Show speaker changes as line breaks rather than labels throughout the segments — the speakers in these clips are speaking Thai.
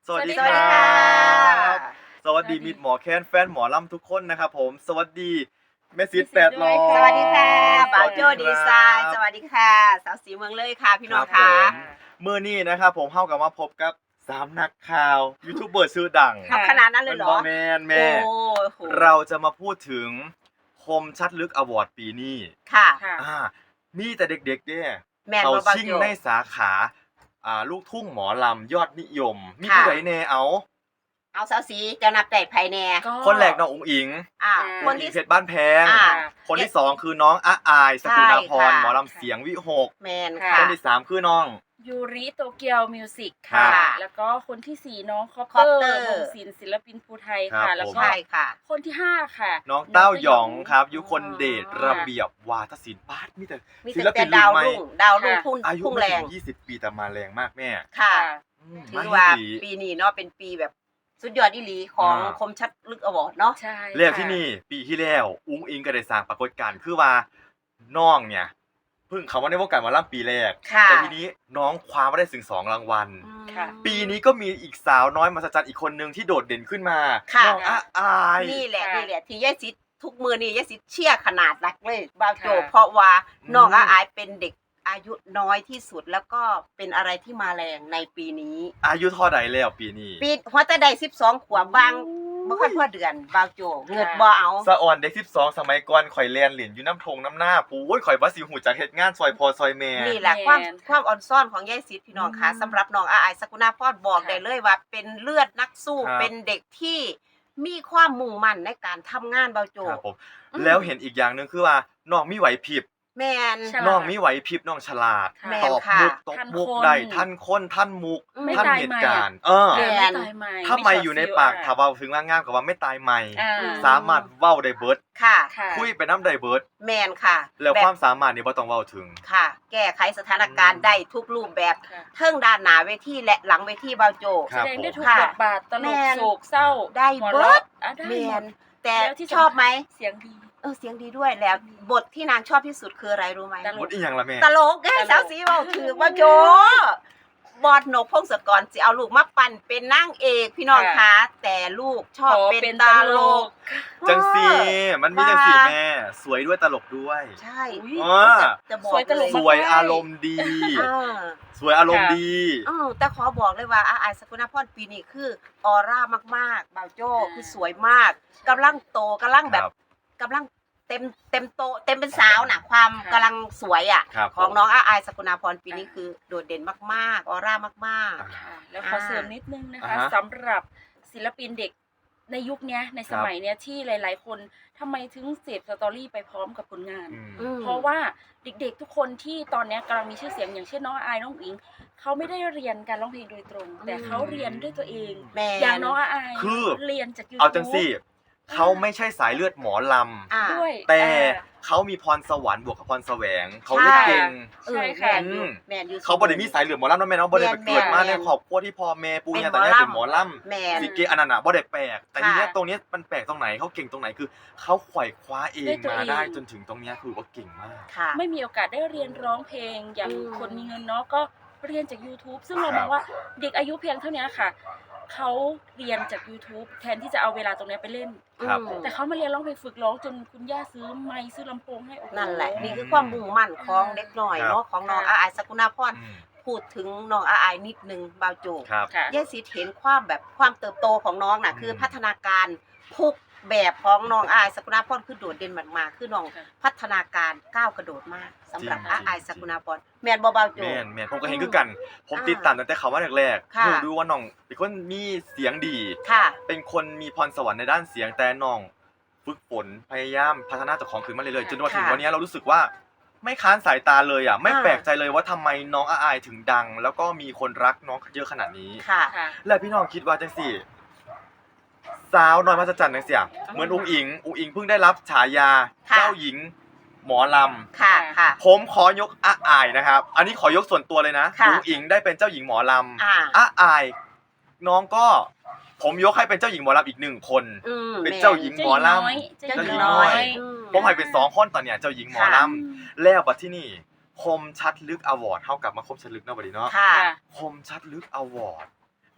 สวัสดี
สวัสดีค่ะ
บสวัสดีมิตรหมอแคนแฟนหมอลำทุกคนนะครับผมสวัสดีแม่ซิด
แม่ซิดด้วย
800
ค่ะ
สวัสดีค่ะบ่าวโจ
สวัส
ดี
ครับ
ไซน์สวัสดีค่ะ สาวสีเมืองเลยค่ะ พี่น้อง
ครั
ค่ะ
บผม มื้อนี้นะครับผมเฮากับมาพบกับ3นักข่าวยูทูบเบอร์ชื่อดัง
ค่ะ
ขนาดนั้นเลยเหรอ
แม่นแม่
โอ้โห
เราจะมาพูดถึงคมชัดลึกอวอร์ดปีนี้
ค่ะ
ค่ะ
มีแต่เด็กๆเนี่ย
แม่น
เขา
บ่บ่าว
ชิ่ง
โจ
ในสาขาลูกทุ่งหมอลำยอดนิยม มี
ค่ะ
ผู้ใดแน่เอา
เอาสาวสีเจะนับได้ไผแน่
ก็
คนแรกน้องอุ๋งอิง
อ่า
อ่า
คน
อี
ที่
เพชรบ้านแพง
อ่า
คนที่2คือน้องอาอายสกุณาพร
ใช่ค่ะ
หมอลำเสียงวิหก
แมน
ค่ะ
ค่ะ
คนที่3คือน้อง
ยูริโตเกียวมิวสิก
ครั
ค่ะ
บ
แล้วก็คนที่ 4 น้องคอป
คอป
เต
เต
อ
อร์
ร์วงศิลป์ศิลปินภูไทย
ครั
ค่ะ
บ
แล้ว
ผม
ก็
ใช่ค่ะ
คนที่ 5 ค่ะ
น้องเต้าหยองครับยุคน
อ๋อ
เดชระเบียบวาทศิลป์ป้าดมีแต่
มี
ศิล
แต่
ปิน
ดาว
รุ่นใหม่
รุ่งดาวรุ่ง
ค่ะ
พุ่ง
อายุ
พุ่ง
ไม่
แร
ถึ
ง
ง20 ปีแต่มาแรงมากแม่
ค่ะ ถือว่า
มาอีหลี
ปีนี้เนาะเป็นปีแบบสุดยอดอีหลีของ
อ่า
คมชัดลึกอวอร์ดเนาะ
ใช่
เรียก
ค่ะ
ที่นี่ปีที่แล้วอุ้งอิงก็ได้สร้างปรากฏการณ์คือว่าน้องเนี่ยเพิ่งเข้ามาในวงการหมอลำปีแรก
ค่ะ
แต่ทีนี้น้องคว้ามาได้ถึง2รางวัล
อืม
ค่ะ
ปีนี้ก็มีอีกสาวน้อยมหัศจรรย์อีกคนนึงที่โดดเด่นขึ้นมา
ค่ะ
น้องอาอาย
นี่แหละ
ค่ะ
นี่แหละที่ยายซิดทุกมือนี่ยายซิดเชี่ยขนาดนักเลยบาวโจ
ค่ะ
เพราะว่าน้อง
อืม
อาอายเป็นเด็กอายุน้อยที่สุดแล้วก็เป็นอะไรที่มาแรงในปีนี้
อายุเท่าใดแล้วปีนี้
ปีหัวแต่ใด12 ขวบบางบ่ค่อยพอเดือนบาวโจเงิดบ่เอา
สะอ่อนเด็ก12สมัยก่อนข่อยเรียนเหรียญอยู่น้ำทงน้ำหน้าปู้ยข่อยว่าสิหูจักเฮ็ดงานซอยพอซอยแม่
นี่แหละ
แม่น
ความอ่อนซ่อนของยายซิดพี่น้องค่ะ
อืม
สำหรับน้องอาอายสกุณาพรบอก
ค่ะ
ได้เลยว่าเป็นเลือดนักสู้
ครับ
เป็นเด็กที่มีความมุ่งมั่นในการทำงานบาวโจ
ครับผม
อืม
แล้วเห็นอีกอย่างหนึงคือว่าน้องมีไหวพริบ
แม่น
ฉลาด
น้องมีไหวพริบน้องฉลาด
ค่ะ
แม่
ต
น
อบ
ค่ะ
มุกตอบ
ทัน
มุก
คน
ได้ท่านคนท่านมุก
ไม่
ท่าน
ตาย
เห
ใหม่
ตุการณ์
แม่
แม่น
ไม่ตายใหม่
ถ้าไม่อยู่ในปาก
ช็
ถ้า
ตฟิล
เว้าถึงว่างามกับว่าไม่ตายใหม่
อ่า
สามารถเว้าได้เบิด
ค่ะ
ค่ะ
คุยไปน้ำได้เบิด
แมนค่ะ
แล้ว
บบ
ความสามารถนี่บ่ต้องเว้าถึง
ค่ะ แก้ไขสถานการ
อื
ณ์
ม
ได้ทุกรูปแบบ
ค่ะ
เทิงด้านหน้าเวทีและหลังเวทีบาวโจ
ครั
แส
บ
ดงได้ทุก
ค่ะ
บทบาทตล
แม่
ก
น
โศกเศร้า
ได้
หัว
เบิ
เราะ
ด
ได้
แม
หม
น
ด
แต่
แล้วที่
ชอบไหม
เสียงดี
เสียงดีด้วยแล้ว บทที่นางชอบที่สุดคืออะไรรู้ไหม
ตล
หมดอีหยังล่ะแม่
ตลกไง
ตลก
สาวสีเบาถือว่าโจบอดนกพงศกรสิเอาลูกมาปั่นเป็นนางเอกพี่น้องคะแต่ลูกชอบเป็นตลก
จังซี
เออ
มันมีจังซีแม่ สวยด้วยตลกด้วย
ใช่
อุ๊ย
อ่า
จะบอก
สวยตลก
สวยอารมณ์ดี
เออ
สวยอารมณ์ดี
แต่ขอบอกเลยว่าอาอายสกุณาพรปีนี้คือออร่ามากๆบาวโจ้คือสวยมากกำลังโตกำลังแบบ
ครับ
กำลังเต็มโตเต็มเป็นสาวน่ะความ
ค่ะ
กำลังสวยอ่ะ
ครับ
ของ
ผม
น้องอาอายสกุณาพรปีนี้คือโดดเด่นมากๆออร่ามาก
อ่า
ค่ะแล้วขอเสริมนิดนึงนะคะ
อ่าฮะ
สำหรับศิลปินเด็กในยุคเนี้ยในสมัยเนี้ยที่หลาย ๆ คนทำไมถึงเสพสตอรี่ไปพร้อมกับผลงาน
อืม
ๆอืม
เพราะว่าเด็กๆทุกคนที่ตอนเนี้ยกำลังมีชื่อเสียงอย่างเช่นน้องอายน้องอิงเขาไม่ได้เรียนการร้องเพลงโดยตรง แต่เขาเรียนด้วยตัวเอง
แม่
อย่างน้องอาย
คือ
เรียนจากยูทูบ
เอาจังซี่เขาไม่ใช่สายเลือดหมอล
อ่า
ด้วย
ำแต่
อ่า
เขามีพรสวรรค์บวกกับพรแสวง เขาเล่นเก่ง
เออ
ใช่
แม
ค่ะ
นอยู่
อืม
แมนอยู่
เขาบ่ได้มีสายเลือดหมอลำเนาะแม่เนาะบ่ได้ไปเกิดมา
แม่น
ในครอบครัวที่พ่อแม่ปู่ย่า
เป็
ตาน
หมอ
ยาย
ลำ
เป็นหมอล
แมน
ำสิเกอันนั้นน่ะบ่ได้แปลก แต่
ค่ะ
ทีเนี้ยตรงเนี้ยมันแปลกตรงไหนเขาเก่งตรงไหนคือเขาไขว่คว้าเอง
ด้วยตัว
มา
เอง
ได้จนถึงตรงเนี้ยคือว่าเก่งมาก
ค่ะ
ไม่มีโอกาสได้เรียนร้องเพลงอย่าง
อืม
คนมีเงินเนาะก็เรียนจาก YouTube ซึ่งเรา
ครั
มอบ งว่าเด็กอายุเพียงเท่านี้ค่ะเขาเรียนจาก YouTube แทนที่จะเอาเวลาตรงเนี้ยไปเล่น
ครับ
อืม
แต่เขามาเรียนร้องเพลงฝึกร้องจนคุณย่าซื้อไมค์ซื้อลำโพงให้โอ้โห
นั่นแหละนี่คือความมุ่งมั่นของเด็กหน่อย
ครับ
เนาะของน้อง
ค่ะ
อาอายสกุณาพร
อืม
พูดถึงน้องอาอายนิดนึงบาวโจ
ครับ
ค่ะ
ยายสิเห็นความแบบความเติบโตของน้องน่ะ
อืม
คือพัฒนาการทุกแบบของน้องอาอายสกุณาพรคือโดดเด่นมากๆคือน้อง
ค่ะ
พัฒนาการก้าวกระโดดมากสำหรับ
จริง
อาอายสกุณาพรแมนบ่บาวโจ
แม่นแม่นผมก็เห็นคือกัน ผม
อ่า
ติดตามตั้งแต่เขามาแรกๆ
ค่ะ
ดูว่าน้องเป็นคนมีเสียงดี
ค่ะ
เป็นคนมีพรสวรรค์ในด้านเสียงแต่น้องฝึกฝนพยายามพัฒนาตัวของขึ้นมาเรื่อยๆจนมาถึง
ค่ะ
วันนี้เรารู้สึกว่าไม่ค้านสายตาเลยอ่ะไม่
อ่า
แปลกใจเลยว่าทำไมน้องอาอายถึงดัง แล้วก็มีคนรักน้องเยอะขนาดนี้
ค่ะ
ค่ะ
และพี่น้องคิดว่าจังสี่สาวน้อยมหัศจรรย์จังเสียเหมือนอุ้งอิงเพิ่งได้รับฉายา
ค่ะ
เจ้าหญิงหมอลำ
ค่ะค่ะ
ผมขอยกอาอายนะครับ อันนี้ขอยกส่วนตัวเลยนะ
ค่ะ
อุ้งอิงได้เป็นเจ้าหญิงหมอลำ
อ่า
อาอาย น้องก็ผมยกให้เป็นเจ้าหญิงหมอลำอีกหนึ่งคน
อืม
เป็นเจ้าหญิง หมอลำ
เจ้า
เจ้า
ห
ห
ญิ
ญิ
ง
ง
น้
น้
อ
อย ย
ผมให้เป็น2คนตอนเนี้ยเจ้าหญิงหมอล
อืม
ำแล้วบัดที่นี่คมชัดลึกอวอร์ดเท่ากับมาคมชัดลึกเนาะบัดนี้เนาะ
ค่ะ
ค่ะ
คมชัดลึกอวอร์ด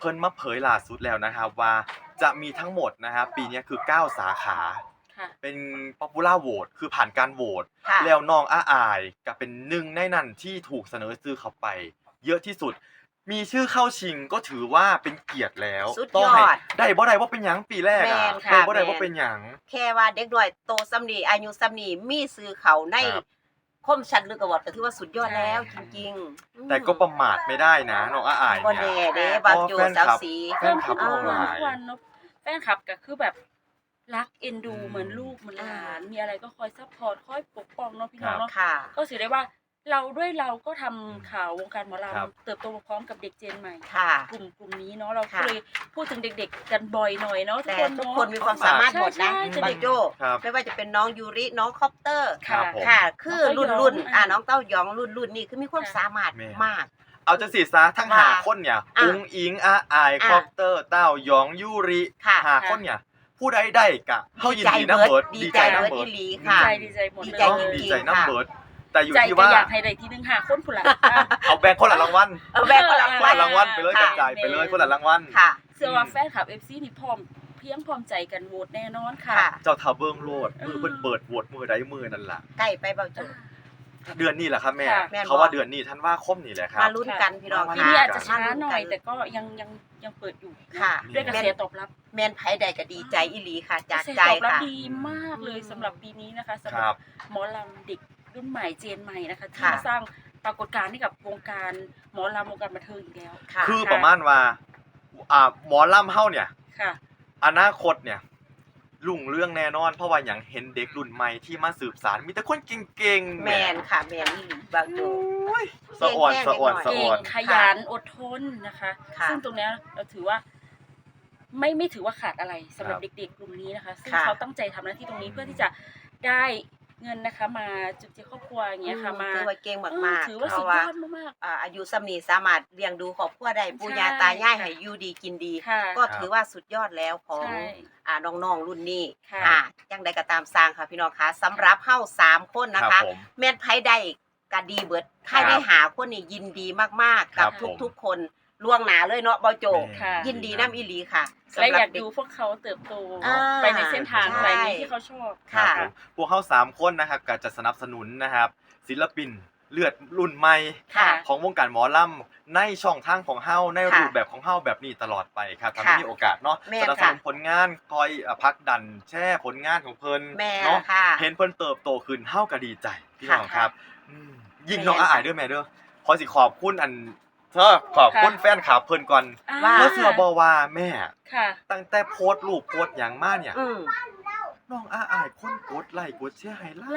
เพิ่นมาเผยล่าสุดแล้วนะครับว่าจะมีทั้งหมดนะครับปีนี้คือ9สาขา
ค่ะ
เป็น Popular Vote คือผ่านการโหวต
ค่ะ
แล้วน้องอายก็เป็นหนึ่งในนั้นที่ถูกเสนอชื่อเข้าไป เยอะที่สุด มีชื่อเข้าชิงก็ถือว่าเป็นเกียรติแล้ว
สุดยอด
ต้องให้ได้บ่ได้ว่าเป็นหยังปีแรก
แม่
อ่ะ
นค่ะ
ได้บ่ได้
แม่น
ว่าเป็นหยัง
แค่ว่าเด็กน้อยโตซ้ำนี่อายุซ้ำนี่มีซื้อเขาใน
ครับ
คมชัดลึกกว่าก็ถือว่าสุดยอดแล้วจริงๆ
แต่ก็ประมาทไม่ได้นะน้องอาย
บ่
เนี่ย
แน่เด้บางโจสาวสี
แฟนคลับ
เพิ่ม
น้อง
ขึ้น
หลาย
ทุกวันเนาะแฟนคลับก็คือแบบรักเอ็นดู
อืม
เหมือนลูกเหมือนหลานมีอะไรก็คอยซัพพอร์ตคอยปกป้องเนาะพี่น้องเนาะ
ค่ะ
ก็ถือได้ว่าเราก็ทำข่าววงการหมอล
ครับ
ำเติบโตพร้อมกับเด็กเจนใหม่
ค่ะ
กลุ่มนี้เนาะเราก็
ค่ะ
เลยพูดถึงเด็กๆกันบ่อยหน่อยเนาะ
แต่
ทุ
ทุ
ก
ก
ค
คน
น
มี
เนาะ
ความสามารถหมดนะ
ใช่
บางโจ
ครับ
ไม่ว่าจะเป็นน้องยูริน้องคอปเตอร์
ครับผม
ค่ะ คือรุ่น
น้อง
รุ่น
เต้ายอง
น้องเต้ายองรุ่นนี่คือมีความ
ค่ะ
สามารถ
แม่
มาก
เอาจังสีซะทั้ง
ว่า
หาคนเนี่ย
อ่ะ
อุ้งอิงอาอาย
อ่ะ
คอปเตอร์เต้ายองยูริ
ค่ะ
หาคนเนี่ยผู้ใดได้กะเฮายินดี
ดี
นํ
ใจ
เบิด
ดีใจ
นํ
เบิด
เบิ
อี
ด
หลี
ดี
ค่ะ
ใจดีใจหมด
ดี
เลย
ใจ
เนาะ
จริงๆ
ดีใจนํ
ค่ะ
เบิดแต่อยู่
ใจ
ที่
ก็
ว่า
อยากให้ได้ที่หนึงหาคนพุ่นละ
เอาแบ่งคนละรางวัล
แบ่งคนละ
คนละรางวัลไปเลยก
ค่ะ
ระจายไปเลยคนละรางวัล
ค่ะ
เชื่อว่าแฟนคลับ FC นี่พร้อมใจกันโหวตแน่นอนค่ะ
ค่ะ
เจ้าทาเบิ่งโลดมือเพิ่นเปิดโหวตมือใดมือนั่นล่ะ
ใกล้ไปเบาโจ
เดือนนี้แหละครับแม่
ค่ะ
แม่นบ่
เขาว่าเดือนนี้ธันวาคมนี่แหละครับ
มาลุ้นกันพี่น้อง
มา
ปี
ลุ้
นี้
น
อาจจะช้าหน่อย แต่ก็ยังเปิดอยู่นะ
ค่ะ
ด้วยกระแสตอบรับ
แมนไผใดก็ดีใจอีหลีค่ะ จาก
กระแส
ใจ
ตอบรับ
ค่ะ
ดีมากเลยสำหรับปีนี้นะคะสำ
ค
ห
รั
รับบ หมอลำเด็กรุ่นใหม่เจนใหม่นะคะที่
ค่ะ
มาสร้างปรากฏการณ์ให้กับวงการหมอลำวงการบันเทิงอีกแล้ว
ค่ะ
คือประมาณว่าหมอลำเฮาเนี่ย
ค่ะ
อนาคตเนี่ยรุ่งเรื่องแน่นอน เพราะว่าอย่างเห็นเด็กรุ่นใหม่ที่มาสืบสารมีแต่คนเก่งๆ
แมนค่ะแมนอีหลีเบาโจ
สะอ่อน
เก่งๆ
สะอ่อน
เด็กน้อย
สะ
เก่
อ่อน
งขยันอดทนนะคะ
ค่ะ
ซึ่งตรงเนี้ยเราถือว่าไม่ถือว่าขาดอะไรสำหรับ
ครับ
เด็กๆกลุ่มนี้นะคะ ซึ่ง
ค่ะ
เขาตั้งใจทำหน้าที่ตรงนี้เพื่อที่จะได้เงินนะคะ มาจุดเจือครอบครัวอย่างเงี้ยค่ะมา
ถือว่าเก่งมากๆ
ถือว่า
เพ
สุด
ราะ
ย
ว่า
อดมาก
อายุสำนีสามารถเลี้ยงดูครอบครัวได้ปู่ย่า
ใช่
ตายายให้อยู่ดีกินดี
ๆค่ะ
ก็ถือว่าสุดยอดแล้วของ
ใช่
น้องๆรุ่นนี้
ค่ะ
จังใดก็ตามสร้างค่ะพี่น้องคะสำหรับเฮา3คนนะ
ครั
คะ
บผม
แม่นไผได้ก็ดีเบิดใครได้หาคนนี่ยินดีมากๆ
ครั
กับบ
ผม
ทุกๆคนล่วงหน้าเลยเนาะเบาโจ
ค่ะ
ยินดีน้ำอีหลีค่ะ
และ
สำห
อ
รั
ยา
บ
ก
เด็ก
ดูพวกเขาเติบโต
อ่า
ไปในเส้นทาง
ใช่
อะไรนี้ที่เขาชอบ
ค่ะ
ผมพวกเขา3คนนะครับก็จะสนับสนุนนะครับ ศิลปินเลือดรุ่นใหม่
ค่ะ
ของวงการหมอลำในช่องทางของเฮาใน
ค่ะ
รูปแบบของเฮาแบบนี้ตลอดไปครับถ้า
ค่ะ
มีโอกาสเนาะ
แม่น
สนับสนุน
ค่ะ
ผลงานคอยพักดันแช่ผลงานของเพิ่น
แม่
เนาะ
ค่ะ
เห็นเพิ่นเติบโตขึ้นเฮาก็ดีใจพี่น้อง
ค่ะ
ครับอืมยิ่ง
แม่น
น้องอาอายเด้อแม่เด้อขอสิขอบคุณขอบคุณ
ค่ะ
แฟนคลับเพิ่นก่อน
ว่า
เพราะเชื่อบ่ว่าแม่
ค่ะ
ตั้งแต่โพสต์รูปโพสต์หยังมาเนี่ย
อืม
น้องอาอายคนกดไลค์กดแชร์ให้หลาย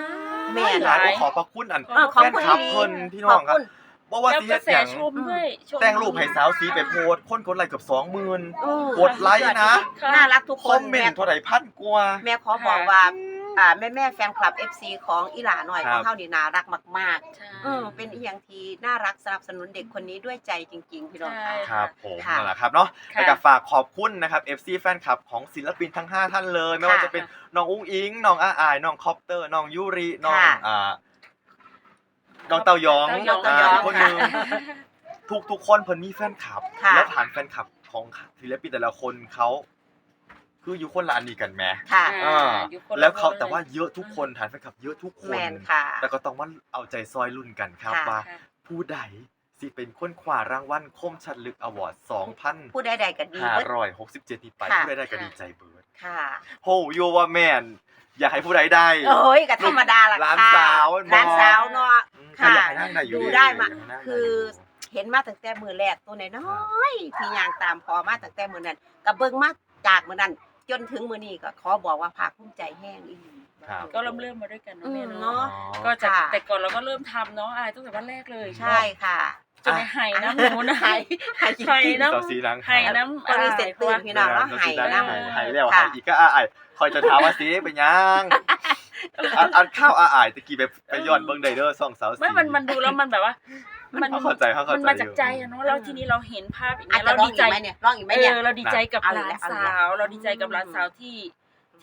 แม่
หลายขอบพระคุณอัน
ขอบ
แฟน
คุณ
คลับ
อีหลี
เพิ่นพี่น้องครับ
ขณ
บ่ว่า
แล้ว
สิ
ก
เฮ็
ระ
ด
แส
หยัง
ชมด้วยชม
แต่งรูปให้สาวสีไปโพสต์คนกดไลค์เกือบ 20,000
อืม
กดไลค์นะ
ค่ะ
น่ารักทุก
ค
ค
อน มเมนต์เท่าไหร่พันกว่า
แม่ขอบอกว่าแม่แฟนคลับ FC ของอีหลาหน่อย
ค
ข
รั
อบ งเฮานี่น่ารักมาก
ใช่
ๆเป็นอีหยังที่น่ารักสนับสนุนเด็กคนนี้ด้วยใจจริง ๆ พี่น้อง
ใช่
ค่ะ
ครับผม
ค่ะ
นั่นแหละครับเนาะ
ค่ะ
แล้วก็ฝากขอบคุณนะครับ FC แฟนคลับของศิลปินทั้ง 5 ท่านเลย ไม่ว่าจะเป็นน้องอุ้งอิง น้องอาอาย น้องคอปเตอร์ น้องยูริน้อง
ค่ะ
น้องเต้ายอง
เต้ายอง
อีกคนหนึงทุกคนเพิ่นมีแฟนคลับ
ค่ะ
และฐานแฟนคลับของศิลปินแต่ละคนเขาคืออยู่คนละอันนี้กันแหม
ค่ะ
อ่า
อยู่คนละ
แล้วเขา
คนเลย
แต่ว่าเยอะทุกคนฐานแฟนคลับเยอะทุกคน
แมนค่ะ
แต่ก็ต้องว่าเอาใจซอยรุ่นกันครับ
ค่ะ
ว่า
ค่ะ
ผู้ใดสิเป็นคนคว้ารางวัลคมชัดลึกอวอร์ด
ผู้ใดๆก็ดีเบิด
2,567 นี้ไป
ค่ะ
ผู้ใดได้ก็ดีใจเบิด
ค่ะ
โหโยว่าแม่น อยากให้ผู้ใดได้
โอ้ยก็ธรรมดาละ
หลาน
ค่ะ
สาว
หลานสาวเนาะ
อืม
ค่ะ
อยากให้นั่งได้อยู่
ดูได้มา
อยกให้นั่งได้
คือ เห็นมาตั้งแต่มือแรกตัวน้อยๆที่ย่างตามพอมาตั้งแต่มือนั้นก็เบิ่งมาจากมือนั้น จนถึงมือนี้ก็ขอบอกว่าภาคภูมิใจแห้งอีหลี
ครับ
ก็เริ่มมาด้วยกันเนาะแม่
เนาะ
เนาะ
อ๋อ
ก็จาก
ค่ะ
แต่ก่อนเราก็เริ่มทำเนาะตั้งแต่วันแรกเลย
ใช่ค่ะ
จนในไห้น้ำหนูนะ
ไห้ไห้จริงๆ
ไห้น้
สาวสีหลัง
ำไห้น้ำ
คนมีเสร็จตื่นพี่น้องแล้วไห้
สาวสีหลัง
น้ำ
ไห้แล้ว
ค่ะ
ไห้อีกก็อ้ายคอยจะถามว่าสิเป็นยังอันข้าวอ้ายตะกี้ไปย้อนเบิ่งได้เด้อส่องสาวสี
ไม่มันดูแล้วมันแบบว่า มัน
เข้าใจ
มันมาจากใจอะเนาะแล้วทีนี้เราเห็นภาพอย่าง
อาจ
เงี้ย
จะ
เรา
ร้อง
ดี
อี
ใจ
กไหมเนี่ยร้องอีกไหมเนี่ย
เราดีใจกับ
เอา
ห
อีก
ลาน
แล้วเอาอีก
สา
แล้ว
ว เราดีใจกับหลานสาวที่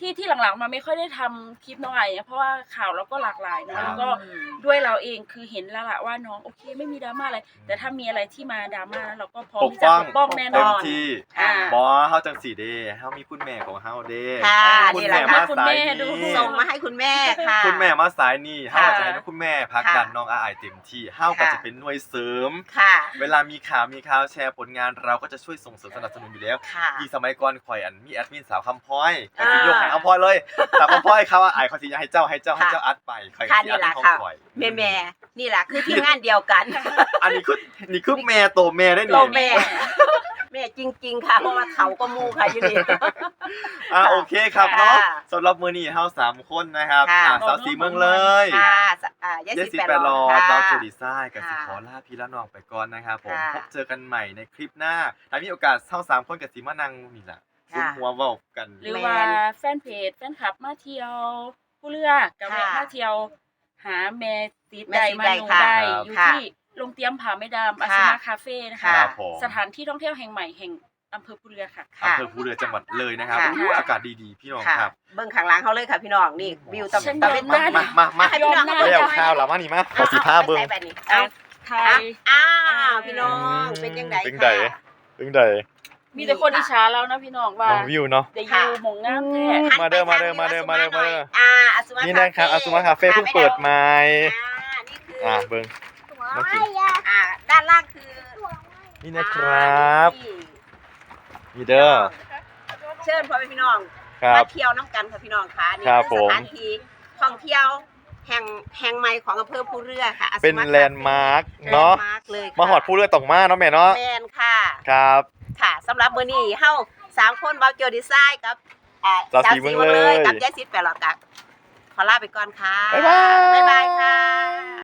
ที่หลังๆมาไม่ค่อยได้ทำคลิปน้องไอเพราะว่าข่าวเราก็หลากหลาย
ครั
เนาะ
บ
แล้วก็ด้วยเราเองคือเห็นแล้วล่ะว่าน้องโอเคไม่มีดราม่าอะไรแต่ถ้ามีอะไรที่มาดราม่านั้นเราก็พร้อม
ปก
ที่จะ
ป้อง
ปกป้องแน่น
เต็ม
อน
ที่
อ่า
บอเฮาจังสีเด้เฮามีคุณแม่ของเฮาเด้
ค่ะ
คุณ
นี่แห
แม่
ละ
มา
ค่ะ
คุณ
สา
แม่
ย
ดู
นี้
ส่งมาให้คุณแม่ค่ะ
คุณแม่มาสายนี้เฮา
ค่ะ
จะให้คุณแม่พักดันน้องอายเต็มที่เฮาก็
ค่ะ
จะเป็นหน่วยเสริม
ค่ะ
เวลามีข่าวแชร์ผลงานเราก็จะช่วยส่งเสริมสนับสนุนอยู่แล้ว
ค่ะ
ยิ่งสมัยก่อนข่อยมีแอดมินสาวคำพ้อยก็สิยกให้คำพ้อยเลยสาวคำพ้อยเขาว่าอายเขาสิอยากให้เจ้าอัดไปข่อยก็
ค่ะ
สิ
นี่
อัด
แหละ
ของ
ค่ะ
ข่อย
แม่นี่แหละคือทีมงานเดียวกัน
อันนี้คือแม่โตแม่ได้
โต
นี่
แม่ แม่จริง ๆ ค่ะเพราะว่าเขาก็มูค่ะอยู่นี่
โอเคครับเนาะ
ค่ะ
สำหรับมื้อนี้เฮา3คนนะครับ
ค่ะ
สาวสีเมืองเลย
ค่ะยาย
เย
สิ
สิ
แป
แป
ด
ด
หล
ร
อ
อ
ด
ด
ค่ะ
ดาวจูดีไซน์กับสิ
ค่ะ
ขอลาพี่ละน้องไปก่อนนะครับผม
ค่ะ
พบเจอกันใหม่ในคลิปหน้าถ้ามีโอกาสเฮา3คนกับสิมานั่งนี่ล่ะ
ค่ะ
ซุมหัวเว้ากัน
หรือว่าแฟนเพจแฟนคลับมาเที่ยวผู้เรือกับแวะ
ค่ะ
มาเที่ยวหาแม่ติด
แม่
ใด
ติด
มา
ใด
หนู
ค่ะ
ได้
ครับ
อยู่
ค่ะ
ที่โรงเตรียมผาไม่ดามอา
ค่ะ
สมาคาเฟ่นะคะ
ครับผม
สถานที่ท่องเที่ยวแห่งใหม่แห่งอำเภอผู้เรือค่ะ
ค่ะ
อำเภอภูเรือจังหวัดเลยนะครับ
ค่ะ
อู้อากาศดีๆพี่น้อง
ค่ะ
ครับ
เบิ่งข้างหลังเขาเลยค่ะพี่น้องนี่วิว
ฉัน
ตะเวน
ยอม
ตก
ได้
มา
ให้พี่น้อง
ยอม
เขา
ได้
แล้วข้าวแล้วมานี่มาขอสีผ้าเบิ่ง
ใส่แบบนี้
อ่ะ
เอา
ไทย
อ้าวพี่น้องเป็นยังไง
เป็น
ค่ะ
ไดเป็นได
มีแต่คนอิจฉาเรานะพี่น้องว่า
น้องวิวเนาะ
ได้อยู่หมองงามแท้
หัน
มาเด้อ
ไป
มาเด้อ
ทง
มาเด้อ
นี้
มาเด้อ
หน่ย
มาเด้อ
อาสุมา
นี่นะครับอาซุมาคาเฟ่เพิ่งเปิดใหม่
นี่คือ
เบิ่ง
ด้านล่างคือ
นี่นะครับ
นี่
นี่เด้อ
เชิญพ่อแม่พี่น้อง
ครับ
มาเที่ยวน้ำกันค่ะพี่น้องค่ะนี่
ครับ
คือสถาน
ผม
ที่ท่องเที่ยวแห่งใหม่ของอำเภอภูเรือค่ะอาซุมา
เป็นแลนด์มาร์คเนาะ
แลนด์มาร์คเลยค่ะ
มาหอดผู้เรือตกมาเนาะแม่เนาะ
แมนค่ะ
ครับ
ค่ะสำหรับมื้อนี้เฮา3คนเบาเกียวดีไซน์กับ
สาวสีเมืองเลย
กับยายซิดแปดหลอดกับขอลาไปก่อนค่ะ
บ๊ายบาย
บ๊ายบายค่ะ